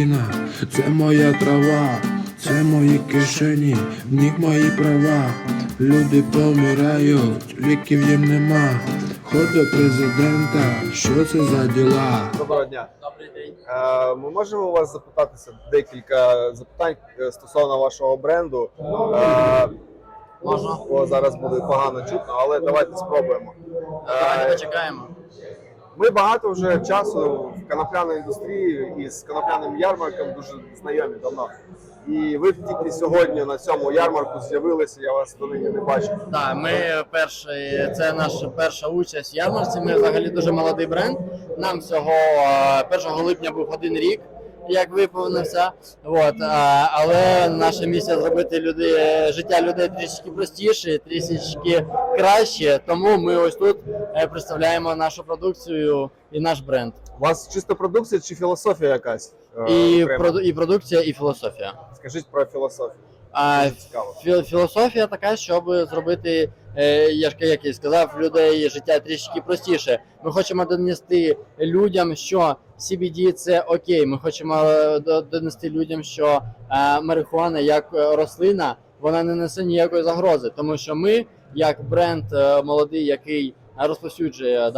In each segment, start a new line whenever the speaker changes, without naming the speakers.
країна, це моя трава, це мої кишені, в них мої права. Люди помирають, ліків їм нема. Ход до президента, що це за діла?
Доброго дня.
Добрий день.
Ми можемо у вас запитатися декілька запитань стосовно вашого бренду.
Можна.
Бо зараз буде погано чутно, але давайте спробуємо.
Давайте почекаємо.
Ми багато вже часу в конопляній індустрії і з конопляним ярмарком дуже знайомі давно. І ви тільки сьогодні на цьому ярмарку з'явилися, я вас донині не бачив.
Так, ми це наша перша участь в ярмарці. Ми взагалі дуже молодий бренд. Нам всього 1 липня був 1 рік, як виповнився. Але наша місія зробити життя людей трішки простіше, трішки краще. Тому ми ось тут представляємо нашу продукцію і наш бренд.
У вас чисто продукція чи філософія якась?
І продукція, і філософія.
Скажіть про філософію. Цікаво.
Філософія така, щоб зробити, як я сказав, людей життя трішки простіше. Ми хочемо донести людям, що CBD – це окей. Ми хочемо донести людям, що марихуана як рослина, вона не несе ніякої загрози. Тому що ми, як бренд молодий, який розповсюджує,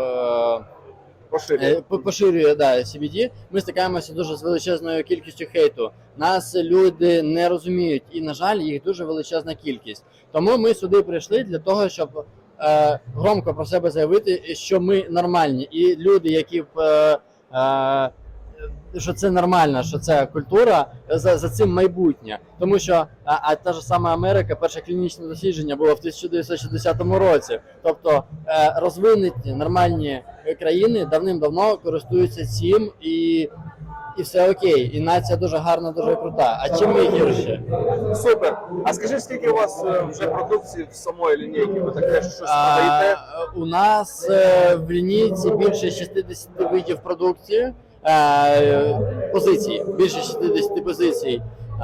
поширює CBD, ми стикаємося дуже з величезною кількістю хейту. Нас люди не розуміють і, на жаль, їх дуже величезна кількість. Тому ми сюди прийшли для того, щоб громко про себе заявити, що ми нормальні. І люди, які що це нормально, що це культура, за цим майбутнє. Тому що та ж сама Америка, перше клінічне дослідження було в 1960 році. Тобто розвинуті нормальні країни давним-давно користуються цим і все окей. І нація дуже гарна, дуже крута. А чим ми гірше?
Супер. А скажіть, скільки у вас вже продукції в самої лінійки? Ви таке щось продаєте?
У нас в лінійці більше 60 видів продукції. Позиції, більше 60 позицій.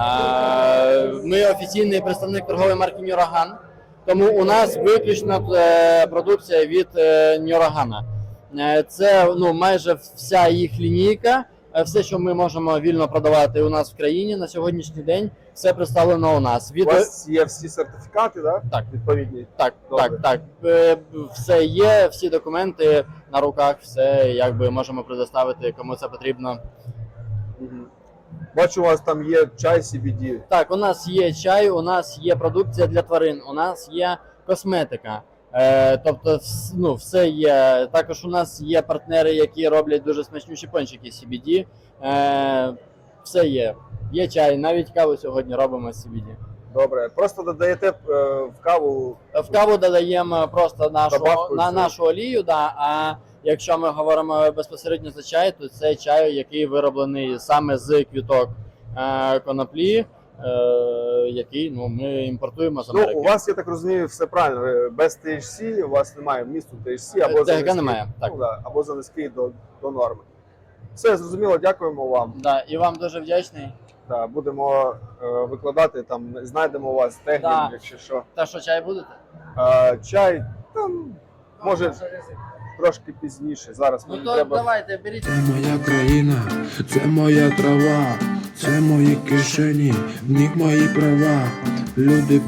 Ми офіційний представник торгової марки Нюраган, тому у нас виключно продукція від Нюрагана. Це майже вся їх лінійка, все, що ми можемо вільно продавати у нас в країні на сьогоднішній день, все представлено у нас.
У вас є всі сертифікати, да?
Так.
Відповідні?
Так. Все є, всі документи на руках, все можемо предоставити, кому це потрібно.
Бачу, у вас там є чай CBD.
Так, у нас є чай, у нас є продукція для тварин, у нас є косметика. Тобто, все є. Також у нас є партнери, які роблять дуже смачнющі пончики CBD. Все є. Є чай, навіть каву сьогодні робимо з CBD.
Добре. Просто додаєте в каву?
В каву додаємо просто нашу олію, а якщо ми говоримо безпосередньо за чай, то це чай, який вироблений саме з квіток коноплі, який ми імпортуємо з Америки.
У вас, я так розумію, все правильно. Без THC, у вас немає вмісту THC або за низький,
немає, так.
Або за низький до норми. Все, зрозуміло, дякуємо вам.
І вам дуже вдячний.
Будемо викладати, там знайдемо у вас технік, якщо що.
Та що, чай будете?
Чай, там, може, трошки пізніше. Зараз мені треба.
Давайте, беріть.
Це моя країна, це моя трава, це мої кишені, в них мої права. Люди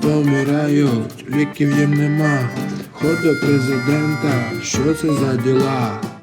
помирають, ліків їм нема. Ход до президента, що це за діла?